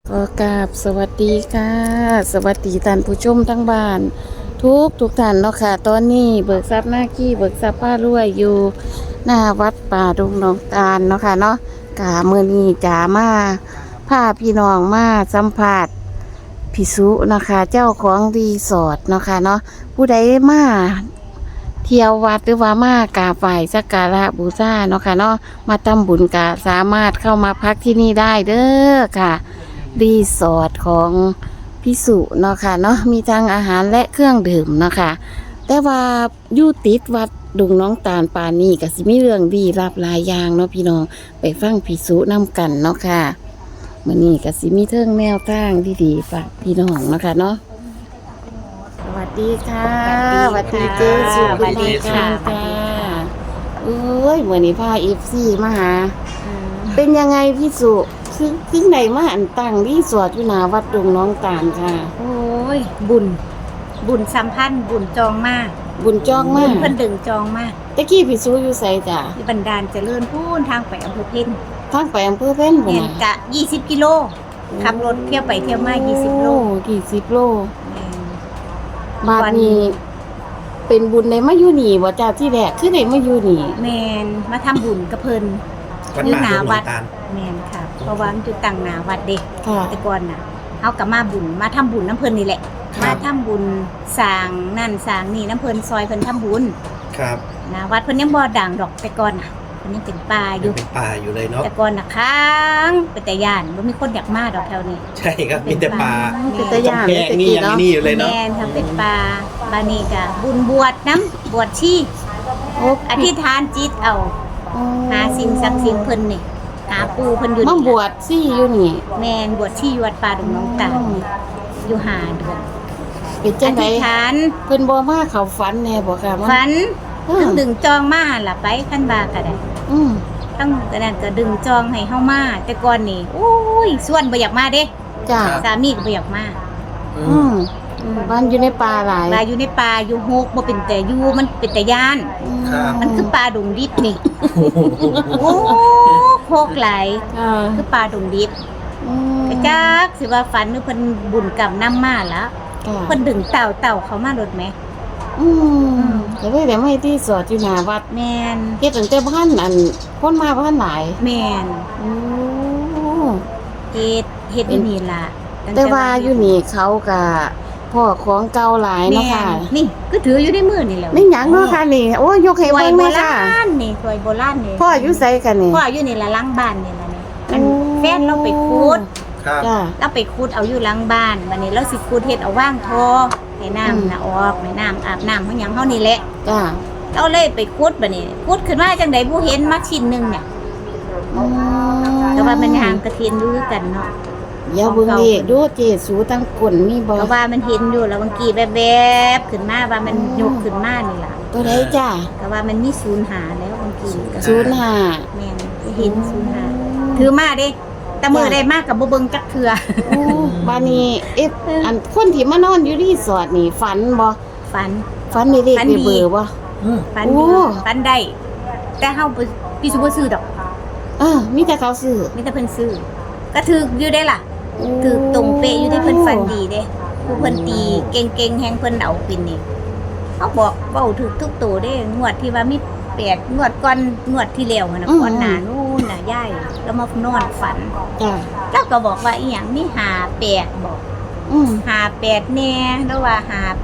ก็กราบสวัสดีค่ะสวัสดีท่านผู้ชมทั้งบ้านทุกท่านเนาะค่ะตอนนี้เบิกทรัพย์หน้าขี้เบิกทรัพย์ป้ารวยอยู่หน้าวัดป่าดงหนองตาลเนาะค่ะเนาะกะมื้อนี้จ๋ามาพาพี่น้องมาสัมภาษณ์พิสุเนาะค่ะเจ้าของรีสอร์ทเนาะค่ะเนาะผู้ใดมาเที่ยววัดหรือว่ามากราบไหว้สักการะบูชาเนาะค่ะเนาะมาทำบุญกะสามารถเข้ามาพักที่นี่ได้เด้อค่ะ รีสอร์ทของพิสุเนาะค่ะเนาะมีทั้งอาหารและเครื่องดื่มเนาะค่ะแต่ว่าอยู่ติดวัดดงน้องตาลปานนี้ก็สิมีเรื่องดีรับหลายอย่างเนาะพี่น้องไปฟังพิสุนํกันเนาะค่ะมื้อนี้ก็สิมีเทิงแนวทางดีๆฝากพี่น้องเนาะค่ะเนาะสวัสดีค่ะสวัสดีเจสุสวัสดีค่ะค่ะเอ้ยมื้อนี้พา FC มาหา เป็นยังไงพี่สุซึ่งไหนมาอันตั้งรีสอร์ทอยู่หน้าวัดดงน้องตาลค่ะโอ้ยบุญสัมพันธ์บุญจองมากบุญจองบุมากญเพิ่นดึงจองมากตะกี้พี่สุอยู่ไสจ้ะที่บันดาลเจริญพูนทางไปอำเภอเพ็ญทางไปอำเภอเพ็ญบ่เนียนน่ะกะ20 กิโลขับรถเที่ยวไปเที่ยวมา20 โล 20 โลแม่นบาดนี้ เป็นบุญได้มาอยู่นี่บ่จ้ะที่แรกคือได้มาอยู่นี่แม่นมาทำบุญกับเพิ่นวัดอยู่ป่าหน้าดงหนวัอดงตาลแม่นค่ะเพราะว่ามันอยู่ตั้งหน้าวัดเด้ค่ะแต่ก่อนน่ะเฮาก็มาบุญมาทำบุญน้ำเพิ่นนี่แหละครัมาบทำบุญสร้างนั่นสร้างนี่น้ำเพิ่นซอยเพิ่นทำบุญครับนะวัดเพิ่นยังบ่ดังดอกแต่ก่อนน่ะเพิ่นยังเป็นป่าอยังยู่เป็นป่าอยู่เลยเนาะแต่ก่อนน่ะค้างเป็นแต่ย่านบ่มีคนอยากมาดอกแถวนี้ใช่ครับมีแต่ป่าเป็นตะย่านแพเลยงตะนี่กี้ยังเนาะนี่อยู่เลยเนาะแม่นทำเป็นป่าบานี้ก็บุญบวชน้ำบวชชีโอ้อธิษฐานจิตเอาหาสิ่งศักดิ์สิทธิ์เพิ่นนี่หาปู่เพิ่นอยู่มานี่บวชซี่อยู่นี่แม่นบวชชีอยู่วัดป่าดงน้องตาลอยู่หาเดือนเป็นอจังได๋ธิษฐานเพิ่นบ่มาเข้าฝันแน่บ่ค่ะมาฝันอืมทั้งดึงจองมาล่ะไปคันบาก็ได้อืมทั้งกระนั้นก็ดึงจองให้เฮามาแต่ก่อนนี่โอ้ยส่วนบ่อยากมาเด้จ้ะสามีก็บ่อยากมาอืมบ้านอยู่ในป่าหลายลายอยู่ในป่าอยู่โฮกบ่เป็นแต่อยู่มันเป็นแต่ย่านครับมันคือป่าดงดิบนี่ โอ้โคกหลายค่ะคือป่าดงดิบอืมกระจักสิว่าฝันหรือเพิ่นบุญกรรมนำมาแล้วค่ะเพิ่นดึงเต่าเขามารถแหมอืมก็เลยได้มาที่สอดอยู่หน้าวัดแม่นเฮ็ดตั้งแต่บ้านอันคนมาบ้านหลายแม่นโอ้เฮ็ดอยู่นี่ล่ะงแต่ว่าอยู่นี่เขาก็พ่อของเก่าหลายเนาะแม่ค่ะนนี่ก็ถืออยู่ในมือนี่แหล้วนี่หยังเนาะค่ะนี่ โอ้ยยกให้ถวยเบิ่งโบเลยราค่ะณนี่ถวยโบราณนี่พ่ออยู่ไสกันนี่พ่ออยู่นี่ละหลังบ้านนี่ล่ะนี่มันโอ้แฟนเราไปคูดครับจ้าเราไปคูดเอาอยู่หลังบ้านบัดนี้เราสิคูดเฮ็ดเอาว่างทอให้น้ำน่ะออกให้น้ำอาบน้ำเฮาหยังเฮานี่แหละจ้าเราเลยไปคูดบัดนี้คูดขึ้นมาจังได๋บ่เห็นมาชิ้นหนึงเนี่ยอืมแต่ว่ามันห่างกระเทียนอยู่คือกันเนาะอย่าเบิ่งเลขดูเจสูตั้งก้นมีบ่เพราะว่ามันเห็นอยู่แล้วบางกีแวบๆขึ้นมาว่ามันยกขึ้นมานี่ล่ะตัวใดจ้าก็ว่ามันมีศูนย์หาแล้วบางกีก็ 05 แม่นเห็นศูนย์หาถือมาเด้แต่มือได้มากกับบ่เบิ่งจักเทื่อโอ้บาดนี้อันคนที่มานอนอยู่รีสอร์ทนี่ฝันบ่ฝันฝันมีเลขฝันในดีเบอร์บ่ฝันโอ้ดีฝันได้แต่เฮาบ่พี่สิบ่ซื้อดอกมีแต่เขาซื้อมีแต่เพิ่นซื้อก็ถูกอยู่ได้ล่ะถูกตรงเป๊ะอยู่ได้เพิ่นฝันดีเด้ผู้เพิ่นตีเก่งๆแฮงเพิ่นเอาปินนี่เขาบอกเว้าถูกทุกตัวเด้งวดที่ว่ามี8งวดก่อนงวดที่แล้วหั่นน่ะก่อนหน้านู้นน่ะยายแล้วมานอนฝันจ้าแล้วก็บอกว่าอีหยังมี58บอกอืม 58แน่แล้วว่า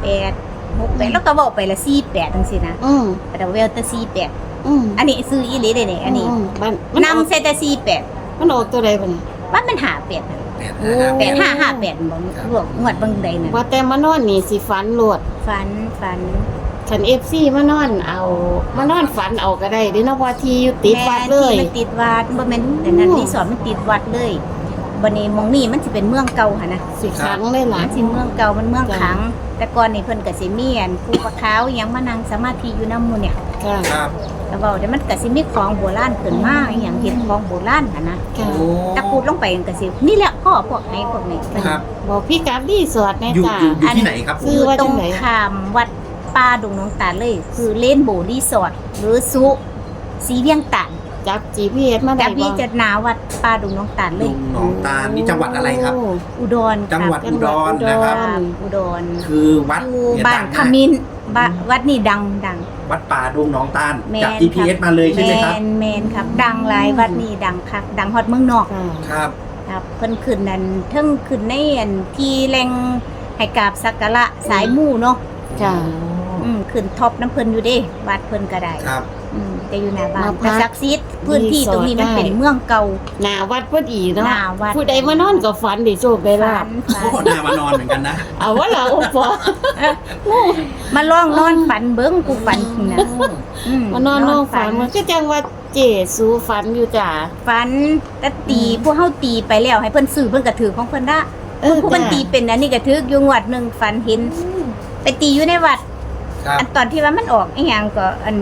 58 68แล้วก็บอกไปละ48จังซี่นะอืมแต่เวลแต่48 อืมอันนี้ซื้ออีหลีเด้นี่อันนี้มันออกนำใส่แต่48 มันออกตัวใดบ่นี่ว่ามัน58น่ะโอ้ 8558บ่รวมงวดเบิ่งใดน่ะว่าแต่มานอนนี่สิฝันโลดฝันคัน FC มานอนมานอนฝันเอาก็ได้เด้เนาะว่าที่อยู่ติดวัดเลยแม่ที่มันติดวัดบ่แม่นแต่นั้นรีสอร์ทมันติดวัดเลยบัดนี้หมองนี่มันสิเป็นเมืองเก่าหั่นนะสิขังได้หลามัยนสิเมืองเก่ามันเมืองจ้ะขัง แต่ก่อนนี่เพิ่นก็สิมีอันภูปะขาวอิหยังมานั่งสมาธิอยู่นำหมู่เนี่ยค่ะครับแล้วเว้าเดี๋ยวมันก็สิมีของโบราณขึ้นมาอหย่างเห็นของโบราณหั่นนะค่ะโอ้ตะกูดลงไปมันก็สินี่แหละพ่อพวกไหนพวกนี้ครับบอกพี่กัดรีสอร์ทแน่อยู่จ้าอยู่ที่ไหนครับซื้อยู่ว่าตจัรงงไหนข้ามวัดป่าดงน้องตาลเลย คือเลนโบรีสอร์ทหรือสุสีเวียงตานจับ GPS มาได้จับบ่พี่จะหนาวัดป่าดงน้องตาลเลลุยงหนองตาลนี่จังหวัดอะไรครับโอุดรจังหวัดครับอุดรนะครับอุดรคือวัดอยู่เนี่ยบ้าดันงขมากมิ้นวัดนี่ดังวัดป่าดงหนองตาลแมจากน GPS มาเลยใช่ไหมครับแมนครับ ดังหลายวัดนี่ดังคักดังฮอดเมืองนอกค่ะครับครับเพิ่นขึ้นนั่นเทิงขึ้นในอันที่แรงให้กราบสักการะสายมู่เนาะค่ะขึ้นท็อปน้ำเพิ่นอยู่เด้วัดเพิ่นก็ได้ครับแต่อยู่หน้าบ้านมาพักแต่ศักดิ์สิทธิ์พื้นที่ตรงนี้มันรีสอร์ทได้เป็นเมืองเก่าหน้าวัดพอดีเนาะหน้าวัดผู้ใดมานอนก็ฝันได้โชคได้ลาบโอ้หน้ามานอนเหมือนกันนะเอาว่าเราบ่มาลองนอนฝันเบิ่งกูฝันนะมานอนนอกฝันมันก็จังว่าเจสูฝันอยู่จ้ะฝันแต่ตีพวกเฮาตีไปแล้วให้เพิ่นซื้อเพิ่นก็ถือของเพิ่นได้ผู้เพิ่นตีเป็นอันนี้ก็ถืออยู่งวดหนึงฝันเห็นไปตีอยู่ในวัดครับอันตอนที่ว่ามันออกอีหยังก็อัน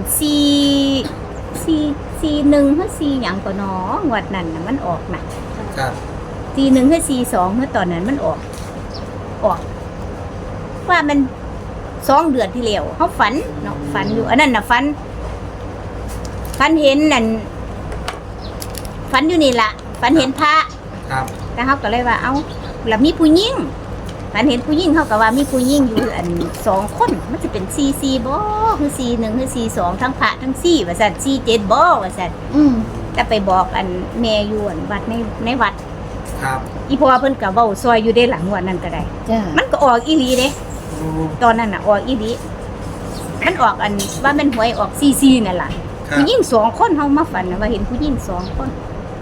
4 1หรือ4หยังก็หนองวดนั้นน่ะมันออกน่ะครับ 4 1หรือ4 2เมื่อตอนนั้นมันออกว่ามัน2 เดือนที่แล้วเฮาฝันเนาะฝันอยู่อันนั้นน่ะฝันเห็นนั่นฝันอยู่นี่ล่ะฝันเห็นพระครับแต่เฮาก็เลยว่าเอ้าแล้วมีผู้หญิงฝันเห็นผู้หญิงเฮาก็ว่ามีผู้หญิงอยู่อัน2คนมันจะเป็น4 4บ่คือ4 1คือ4 2ทั้งพระทั้ง4ว่าซั่น4 7บ่ว่าซั่น แต่ไปบอกอันแม่อยู่อันวัดในวัดครับอีพ่อเพิ่นก็เว้าซอยอยู่ได้หลังวันนั้นก็ได้จ้ะมันก็ออกอีหลีเด้โอ้ตอนนั้นน่ะออกอีหลีมันออกอันว่ามันหวยออก4 4นั่นล่ะครับผู้หญิง2คนเฮามาฝันน่ะว่าเห็นผู้หญิง2คน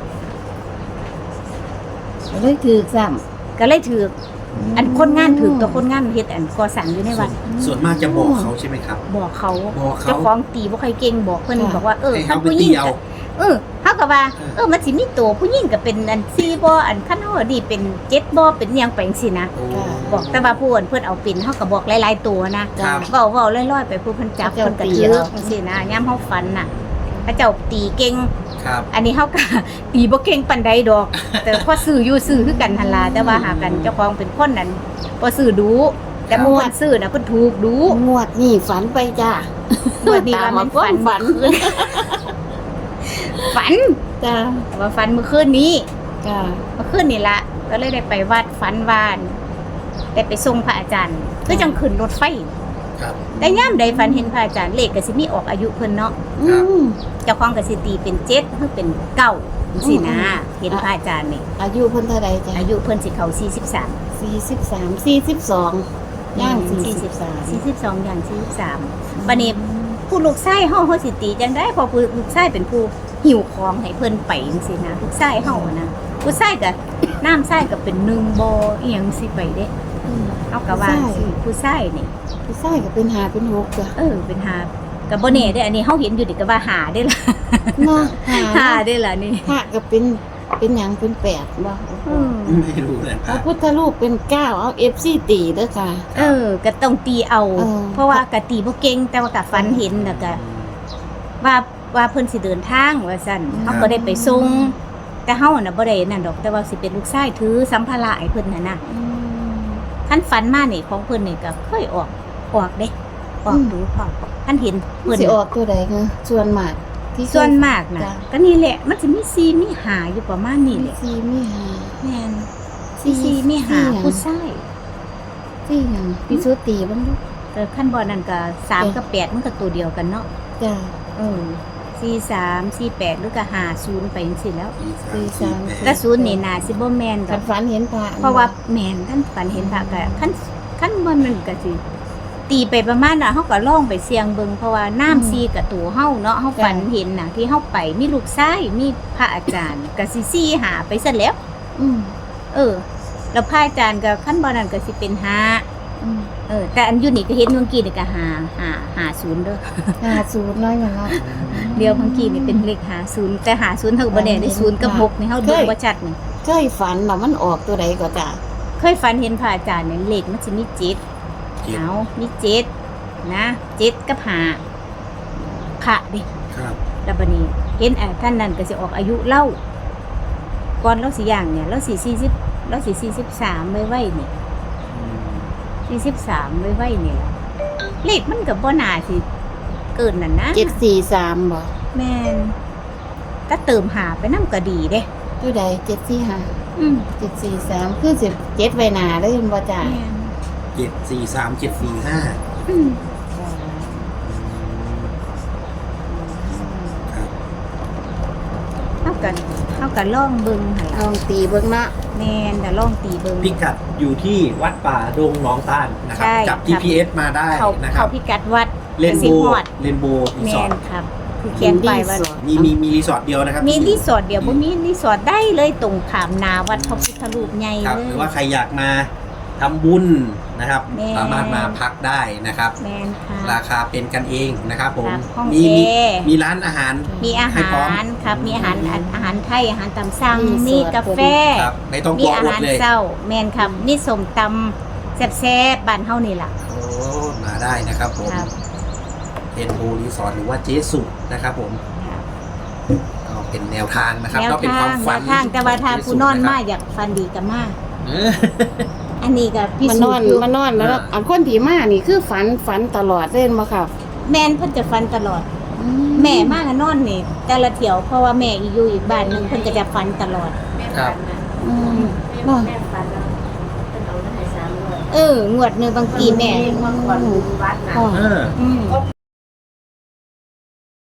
เลยถือซ้ก็เลยถือำอันคนงานถือตัวคนงานเฮ็ดอันก่อสร้างอยู่ในวัดส่วนมากจะบอกเขาใช่ไหมครับบอกเขาบอกเขาเจ้าของตีบ่ค่อยเก่งบอกเพิ่นบอกว่าให้คันเขาไปผู้หญิตีงเอาก็เฮาก็ว่ามันสิมีตัวผู้หญิงก็เป็นอัน4บ่อันคันเฮาดีเป็น7บ่เป็นหยังไปจังซี่นะโอ้บอกแต่ว่าผู้เพิ่นเอาเป็นเฮาก็บอกหลายๆตัวนะครับ เว้าๆลอยๆไปผู้เพิ่นจับเขาเพิ่นเจ้าก็ตีถือเอาจังซี่นะยามเฮาฝันน่ะพระเจ้าตีเก่งครับอันนี้เฮาก็ ตีบ่เก่งปานใดดอก แต่พอซื้ออยู่ซื้อคือกันหั่นล่ะแต่ว่าหากันเจ้าของเป็นคนนั้นบ่ซื้อดูแต่หมู่เพิ่นซื้อน่ะเพิ่นถูกดูงวดนี่ฝันไปจ้ะงวดนี้ว่ามันฝันฝันฝันจ้ะว่าฝันเมื่อคืนนี้จ้ะเมื่อคืนนี่ละก็เลยได้ไปวัดฝันวานได้ไปส่งพระอาจารย์ก็จังขึ้นรถไฟครับแต่ย่ามใดฝันเห็นพระอาจารย์เลขก็สิมีออกอายุเพิ่นเนาะอืมเจ้าของก็สิตีเป็น7หรือเป็น9จังซี่นะเห็นพระอาจารย์นี่อายุเพิ่นเท่าใดจ้ะอายุเพิ่นสิเข้า43 43 42ย่าง43 42อย่าง43บัดนี้ผู้ลูกชายเฮาสิตีจังได้เพอผู้ลูกชายเป็นผู้หิวของให้เพิ่นไปจังซี่นะลูกชายเฮาอะนะผู้ชายก็น้ำชายก็เป็น1บ่อีหยังสิไปเด้ เอากะว่าสิผู้ชายนี่ผู้ชายก็เป็น5เป็น6จ้ะเป็นหากับบ่แน่เด้ออันนี้เฮาเห็นอยู่ดิก็ว่าหาได้ล่ะเนาะหาได้ล่ะนี่ห้าก็เป็นหยังเป็น8บ่ไม่รู้เลยพระพุทธรูปเป็น9เอา FC ตีเด้อค่ะก็ต้องตีเอา เพราะว่ากะตีบ่เก่งแต่ว่ากะฝันเห็นแล้วก็ว่าเพิ่นสิเดินทางว่าซั่นเฮาก็ได้ไปส่งแต่เฮาน่ะบ่ได้นั่นดอกแต่ว่าสิเป็นลูกชายถือสัมภาระให้เพิ่นน่ะนะคันฝันมานี่ของเพิ่นนี่ก็เคยออกเด้ออกดูพอคันเห็นเพิ่นสิออกตัวใดคะส่วนมากที่ส่วนมากนะจ้ะก็นี่แหละมันจะมีซีมีหาอยู่ประมาณนี้แหละสี่มีห้าแม่นซีมีหาผู้ชายสี่หยังพี่สุตีบ้างลูกแต่ขั้นบอนั่นก็3กับ8มันก็ตัวเดียวกันเนาะจ้ะ 43 48หรือก็50ไปจังซี่แล้ว 43 แต่0นี่น่าสิบ่แม่นดคัอน กฝันเห็นพระเพราะว่าแม่นท่านฝันเห็นพระก็คันบ่นั่นก็สิตีไปประมาณน่ะเฮาก็ลองไปเสี่ยงเบิ่งเพราะว่าน้ำซีกับตัวเฮาเนาะเฮาฝันเห็นน่ะที่เฮาไปมีลูกชายมีพระอาจารย์ก็สิซี่หาไปซะแล้วอืมแล้วพระอาจารย์ก็ขั้นบอนั่นก็สิเป็น5 อืมแต่อันอยู่นี่ก็เห็นเมื่อกี้นี่ก็50เด้อ 50น้อยอย่างเนาะเดียวเมื่อกี้นี่เป็นเลข50แต่50เท่าบ่ได้ได้0กับ6นี่เฮาดูบ่ชัดนี่เคยฝันว่ามันออกตัวใดก็จ้ะเคยฝันเห็นพระอาจารย์เนี่ยเลขมันสิมี7เอามี7นะ7กับ5พระดิครับแล้วบัดนี้เห็นท่านนั้นก็สิออกอายุเล่าก่อนเราสิย่างเนี่ยเราสิ40เราสิ43ไว้นี่ 43ไว้นี่ล่ะเลขมันก็บ่น่าสิเกินนั่นนะ 743บ่แม่นก็เติมหาไปน้ำก็ดีเด้ตัวใด745 อืม 743คือ17ไว้หน้าเลยเห็นบ่จ้าแม่น 743 745 อืมครับเฮาก็ลองเบิ่งหั่นลล่ะองตีเบิ่งเนาะแม่นแต่ลองตีเบิ่งพิกัดอยู่ที่วัดป่าดงหนองตาลนะครับใช่จับครับ GPS มาได้เขานะครับพิกัดวัดเรนสิโบฮอดเรนโบรีแม่สอร์ทนครับคือเขียนไปว่ามีรีสอร์ทเดียวนะครับมีรีสอร์ทเดียวบ่มีรีสอร์ทได้เลยตรงขามนาวัดพระพุทธรูปใหญ่ครับเลหยรือว่าใครอยากมาทำบุญนะครับแม่สามารถมาพักได้นะครับแม่นค่ะราคาเป็นกันเองนะครับผมครับห้องมีแอร์มีร้านอาหารมีอาให้หาพร้อมรครับ มีอาหารไทยอาหารตามสั่งมีกาแฟครับไม่ต้องกมีลัวอาอดหารเลยเช้าแม่นครับมีส้มตำแซ่บๆบ้านเฮานี่ล่ะโอ้มาได้นะครับผมครับเรนโบรีสอร์ทหรือว่าเจสุนะครับผมครับก็เป็นแนวทางนะครับแนวก็เป็นคทาวามงฝันแต่ว่าถ้าของผู้นอนเจ๊สุมาะครับอยากฟันดีก็มาเอออันนี้ก็พิมันสูนอจนน์อยู่มันนอนแล้วอันคนที่มานี่คือฝันตลอดเล่นบ่ครับแม่นเพิ่นจะฟันตลอด แม่มากนอนนี่แต่ละเที่ยวเพราะว่าแม่อยู่อีกบ้านหนึงเพิ่นก็จะฟันตลอดครับอืมเนาะงวดหนึงบางทีแม่อ๋อเอออืม